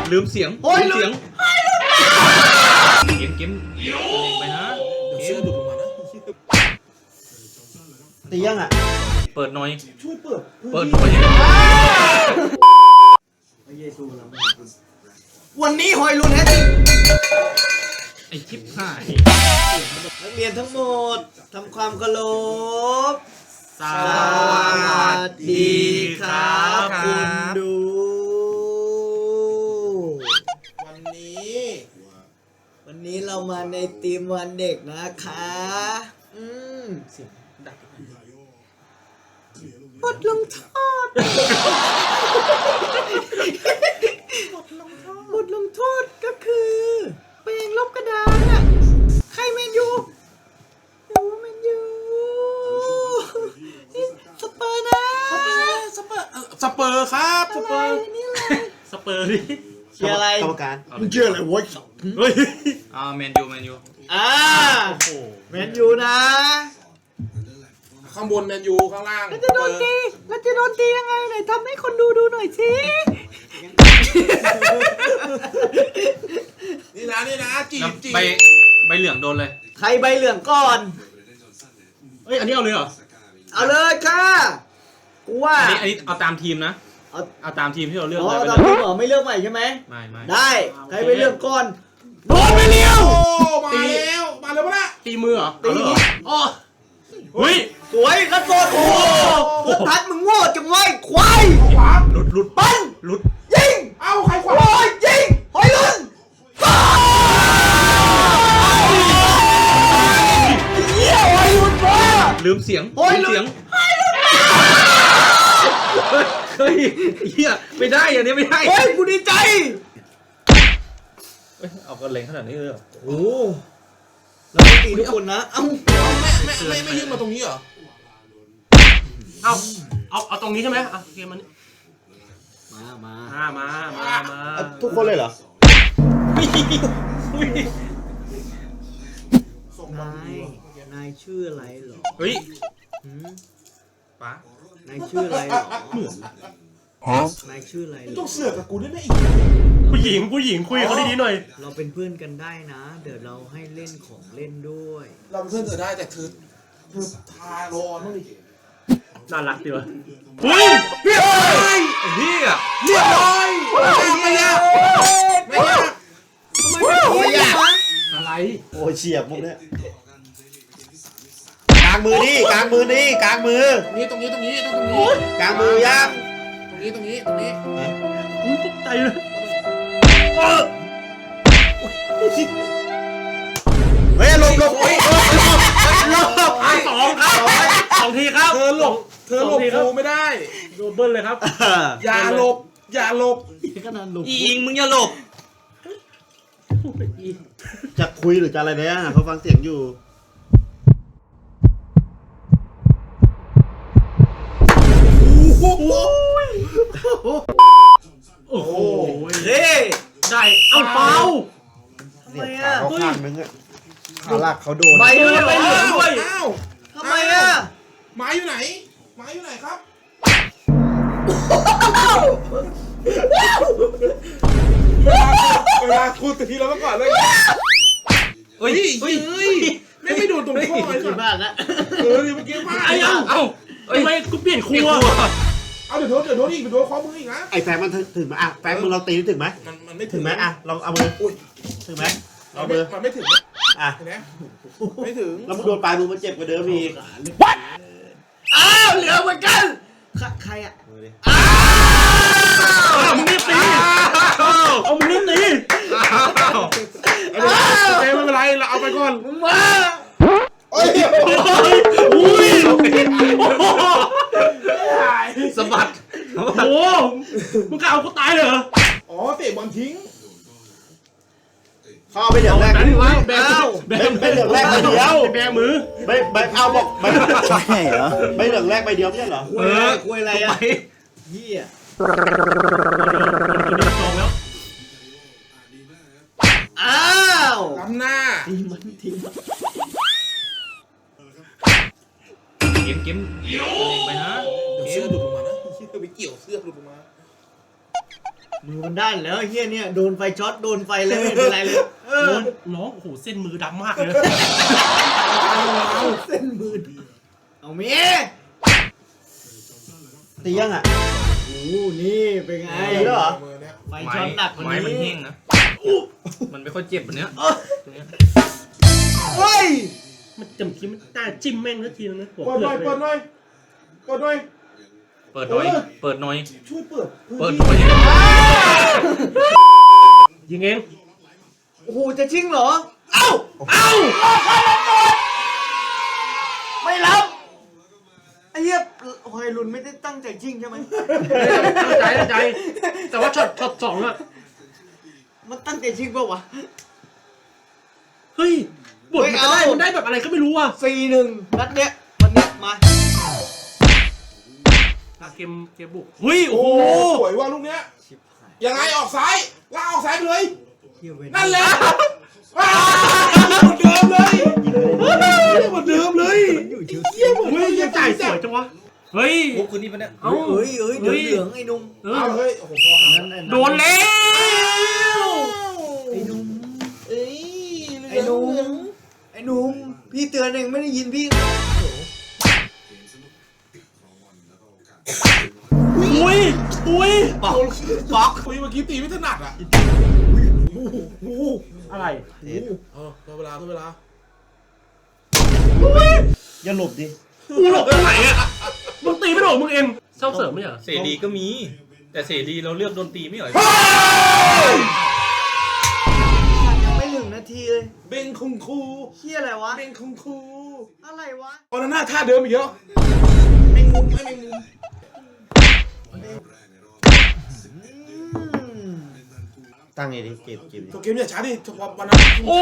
ลืมเสียงโอ้ยลืมเสียงเกมไปนะเดี๋ยวเสื้อหลุดลงมานะตียังอ่ะเปิดหน่อยช่วยเปิดเปิดหน่อยพระเยซูเราวันนี้หอยลุนแฮตติไอชิปหายนักเรียนทั้งหมดทำความเคารพสวัสดีครับคุณดู วันนี้เรามาในทีมวันเด็กนะคะเสียงดังบทลงโทษบทลงโทษก็คือเปลงลบกระดานอะใครแมนยูหนูแมนยูนี่สเปอร์นะสเปอร์ครับสเปอร์นี่อะไรสเปอร์ดิเชียร์อะไรกรรมการมึงเชียร์อะไรวะเฮ้ยแมนยูแมนยูนะข้างบนแมนยูข้างล่างแล้วจะโดนตียังไงไหนทำให้คนดูหน่อยสินี่นะจีบใบเหลืองโดนเลยใครใบเหลืองก่อนเฮ้ยอันนี้เอาเลยเหรอเอาเลยค่ะกูว่าอันนี้เอาตามทีมนะ เอาตามทีมที่เราเลือกอ๋อเลยตอนนี้เหรอไม่เลือกใหม่ใช่ไหมไม่ได้ใครใบเหลืองก่อนโดนไปเร็วโอ้มาแล้วปะนะตีมือเหรอตีมืออ๋อเฮ้ยสวยกระโดดโอ้โหพุทธัศน์มึงโง่จังไว้ควายขวาหลุดปั้นหลุดยิงเอ้าใครขวาโอ้ยยิงหอยลุนเยี่ยหอยลุนมาลืมเสียงโอ้ยลืมเสียงเฮ้ยเฮียไม่ได้อันนี้ไม่ได้เฮ้ยกูดีใจเฮ้ยเอากระเลงขนาดนี้เลยเหรอโอ้แล้วก็ตีทุกคนนะเอ้าไม่ยื่นมาตรงนี้เหรอเอาตรงนี้ใช่ไหมอ่ะเกมมันมาทุกคนเลยเหรอนายชื่ออะไรเหรอเฮ้ยหืมป๋านายชื่ออะไรเหรอนายชื่ออะไรเหรต้อองเสือกกับกูด้วยนะอีกผู้หญิงคุยเขาดีๆหน่อยเราเป็นเพื่อนกันได้นะ เดี๋ยวเราให้เล่นของเล่นด้วยเราเป็นเพื่อนเธอได้แต่เธอทาโรนนู่นดิน่ารักดีวะเฮ้ยเฮียไอ้เฮียเรียบร้อยไม่ยากไม่ยากอะไรโอ้ยเฉียบมุกเนี่ยกลางมือนี่กลางมือนี่กลางมือตรงนี้กลางมือยังตรงนี้อุ้ยตกใจเลยเฮ้ยหลบหลบสองครับสองทีครับเธอหลบกูไม่ได้โดนเบิ้ลเลยครับอย่าหลบขนาดหลุมอีอิงมึงอย่าหลบจะคุยหรือจะอะไรเนี่ยเขาฟังเสียงอยู่โอ้โหเฮ้ยได้เอาเปล่าทำเสีไมยงอ่ะขาเขาข้างนึงอะขาหลักเขาโดนใบเหลืองใบเหลืองด้วยอ้าวทำไมอ่ะไม้อยู่ไหนครับเวลาคุณตีเราก่อนเลยเฮ้ยไม่โดนตรงข้อเลยที่บ้านนะเมื่อกี้พลาดไอ้เอ้าทำไมกูเปลี่ยนครัวเอาเดี๋ยวโดนอีกโดนข้อมืออีกนะไอ้แฟงมันถึงไหมอ่ะแฟงมือเราตีถึงไหมมันไม่ถึงไหมอ่ะลองเอามือถึงไหมเอามือมันไม่ถึงอ่ะเห็นไหมไม่ถึงแล้วมึงโดนปลายมือมันเจ็บกว่าเดิมอีกอ้าวเหลือเหมือนกันใครอ่ะมือดิมึงรีบตีเอามึงรีบตีไม่เป็นไรเราเอาไปก่อนมึงมาอุ้ยสะบัดโอ้โหมึงกะเอากูตายเลยเหรออ๋อเตะบอลทิ้งเข้าไปเดี๋ยวแรกนั้นวะแบมไม่เหลืองแรกใบเดียวแบมือไม่เอาบอกใช่เหรอไม่เหลืองแรกใบเดียวไม่ใช่เหรอคุยอะไรอ่ะเหี้ยจองแล้วอ้าวล้ำหน้าทีมันเกมไปนะเดี๋ยวเสื้อหลุดลงมานะไปเกี่ยวเสื้อหลุดลงมามือมันด้านแล้วไอ้เฮียเนี่ยโดนไฟช็อตโดนไฟเลยไม่เป็นไรเลยน้องโอ้โหเส้นมือดำมากเลยเส้นมือเอาเมียตียังอ่ะโอ้นี่เป็นไงแล้วเหรอมือเนี้ยไฟช็อตหนักกว่าไม้มันนี้แห้งนะมันไม่ค่อยเจ็บแบบเนี้ยตรงเนี้ยเฮ้ยมันจำทีมันน่าจิ้มแม่งสักทีนึงนะหัวเปิดหน่อยเปเปิลืดอกหน่อยเปิดหน่อยเปิดหน่อยเปิดหน่อยช่วยเปิดเปิดหน่อยยิงเองโอ้โหจะชิงเหรอเอ้าไม่รับไอ้เหี้ยหอยลุนไม่ได้ตั้งใจชิงใช่ไหมตั้งใจแต่ว่าช็อตสองอะมันตั้งใจชิงเปล่าวะเฮ้ยบทมันได้แบบอะไรก็ไม่รู้อ่ะ 4-1นัดเนี้ยวันเนี้ยมาเกมบุกเฮ้ยโอ้โอ้โหสวยว่ะลูกเนี้ยยังไงออกซ้ายลากออกซ้ายไปเลยเฮียเว้ยนั่นแหละเหมือนเดิมเลยเหมือนเดิมเลยอยู่เชียวเยี่ยมเหมือนเฮ้ยยังจ่ายสวยจังวะเฮ้ยมุกคืนนี้ปะเนี่ยเอ้าเอ้ยเดี๋ยวเหลืองไอ้นุ่มเอาเฮ้ยโอ้โหพอโดนแล้วไอ้นุ่มเอ้ยไอ้นุ่มไอ้นุ่มพี่เตือนเองไม่ได้ยินพี่อุ้ยบล็อกคุยเมื่อกี้ตีไม่ถนัดอ่ะอะไรตัวเวลาอย่าหลบดิกูหลบตรงไหนอ่ะมึงตีไม่โดนมึงเองเศร้าเสริมไม่เหรอเสรีก็มี แต่เสรีเราเลือกโดนตีไม่เหรอยังไม่1 นาทีเลยเบงคุงคูเฮียอะไรวะเบงคุงคูอะไรวะตอนนั้นหน้าท่าเดิมอีกเยอะแมงมุมไม่แมงมุมตั้งไงดิเก็บตัวเกมอย่าช้าดิวันนั้นโอ้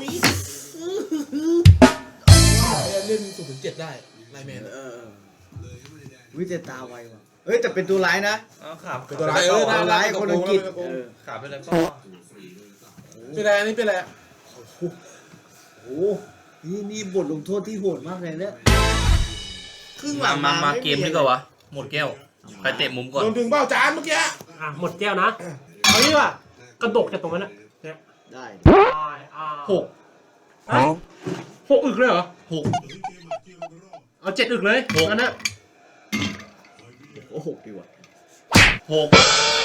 เล่น0-7ได้ไลแมนวิจตาไวว่ะเฮ้ยแต่เป็นตัวร้ายนะขาบเป็นตัวร้ายน่าร้ายคนอังกฤษขาบไปเลยก็เป็นไรอันนี้เป็นไรโอ้นี่บทลงโทษที่โหดมากเลยเนี่ยครึ่งหลังมาเกมดีกว่าวะหมดแก้วใครเตะมุมก่อนโดนดึงเบ้าจานเมื่อกี้อ่ะหมดแก้วนะเอางี้ว่ะกระดกจากตรงนั้นอ่ะเนี่ยได้หก 6อึกเลยเหรอหกเอา7อึกเลยงั้นนะโอ้โหดีว่ะหก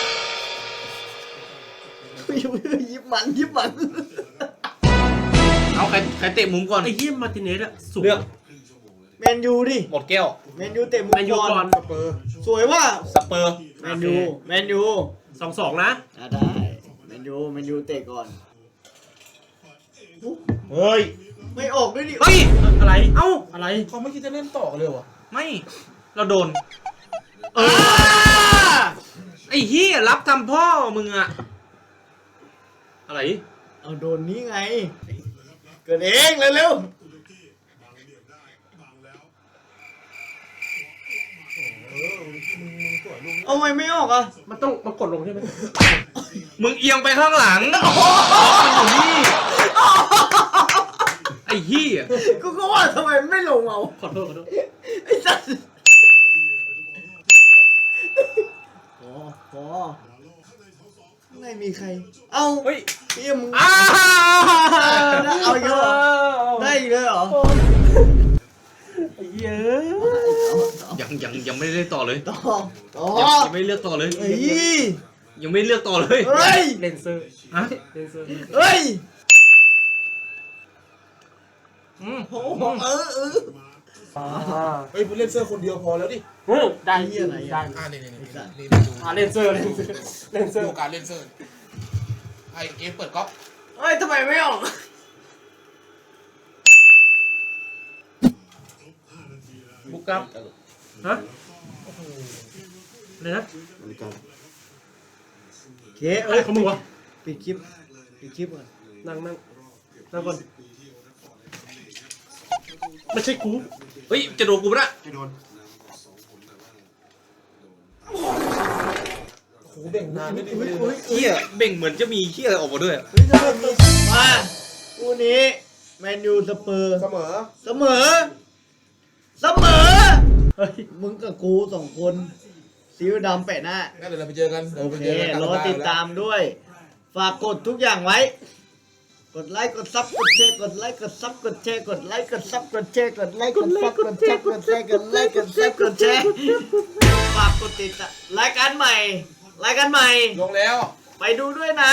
ยิบมันเอาใครเตะมุมก่อนไอ้เหี้ยมาร์ติเนสอะสูงเลือกแมนยูดิหมดแก้วแมนยูเตะมุมแมนยูก่อนสเปอร์สวยว่ะสเปอร์แมนยู 2-2นะได้แมนยูเตะก่อนเฮ้ยไม่ออกด้วยดิเฮ้ยอะไรเอ้าอะไรเขาไม่คิดจะเล่นต่อกันเลยวะไม่เราโดนไอ้เฮียรับทำพ่อมึงอะอะไรเอาโดนนี้ไงเกิดเองเร็วเอาไมไม่ออกอ่ะมันกดลงใช่ไหมมึงเอียงไปข้างหลังมันอยู่นี่ไอ้เฮียกูก็ว่าทำไมไม่ลงเอาขอโทษไอ้สัสพอข้างในมีใคร เอ้าเฮ้ยเฮียมึงอ้าเอาอีกแล้วเหรอได้อีกเลยเหรอเยอะยังไม่ได้เล่นต่อเลยต่อยังไม่เลือกต่อเลยเฮ้ยยังไม่เลือกต่อเลยเฮ้ยเลนเซอร์ฮะเลนเซอร์เฮ้ยโอ้เฮ้ยเล่นเสื้อคนเดียวพอแล้วดิได้เหี้ยอะไรอะได้นี่ดูเลนเซอร์ดูการเล่นเสื้อไอเกมเปิดก๊อกเฮ้ยทำไมไม่ออกบุกครับฮะอะไรนะโอเคอะไรของมึงวะปิดคลิปก่อนนั่งก่อนไม่ใช่กูเฮ้ยจะโดนกูปะจะโดนโอ้โหเบ่งนานไม่ได้เลยเฮียเบ่งเหมือนจะมีเฮียอะไรออกมาด้วยเฮ้ยทำไมมีมาคู่นี้แมนยูสเปอร์เสมอเสมอเฮ้ยมึงกับกู2 คนซีอิ๊วดำแปะหน้างั้นเดี๋ยวเราไปเจอกันโอเครอติดตามด้วย ฝากกดทุกอย่างไว้ กดไลค์กดซับกดแชร์กดไลค์กดซับกดแชร์กดไลค์กดซับกดแชร์กดไลค์กดซับกดแชร์กดแชร์กดไลค์กดซับกดแชร์ฝากกดติดตามรายการใหม่ลงแล้วไปดูด้วยนะ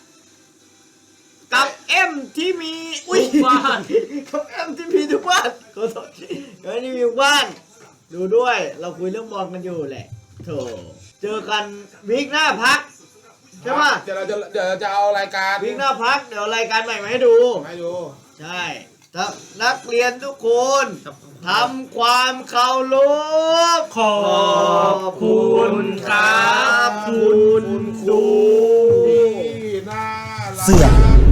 กับเอ็มที่มีอุ้ยบ้านกับเอ็มที่มีทุกบ้านขอโทษกับเอ็มที่มีทุกบ้าน ดูด้วย เราคุยเรื่องบอลกันอยู่แหละโถเจอกันวีคหน้าพักใช่ปะเดี๋ยวเราจะเอารายการวีคหน้าพักเดี๋ยวรายการใหม่มาให้ดูให้ดูใช่ถ้านักเรียนทุกคนทำความเคารพขอบคุณครับคุณครูที่น่ารักเสือก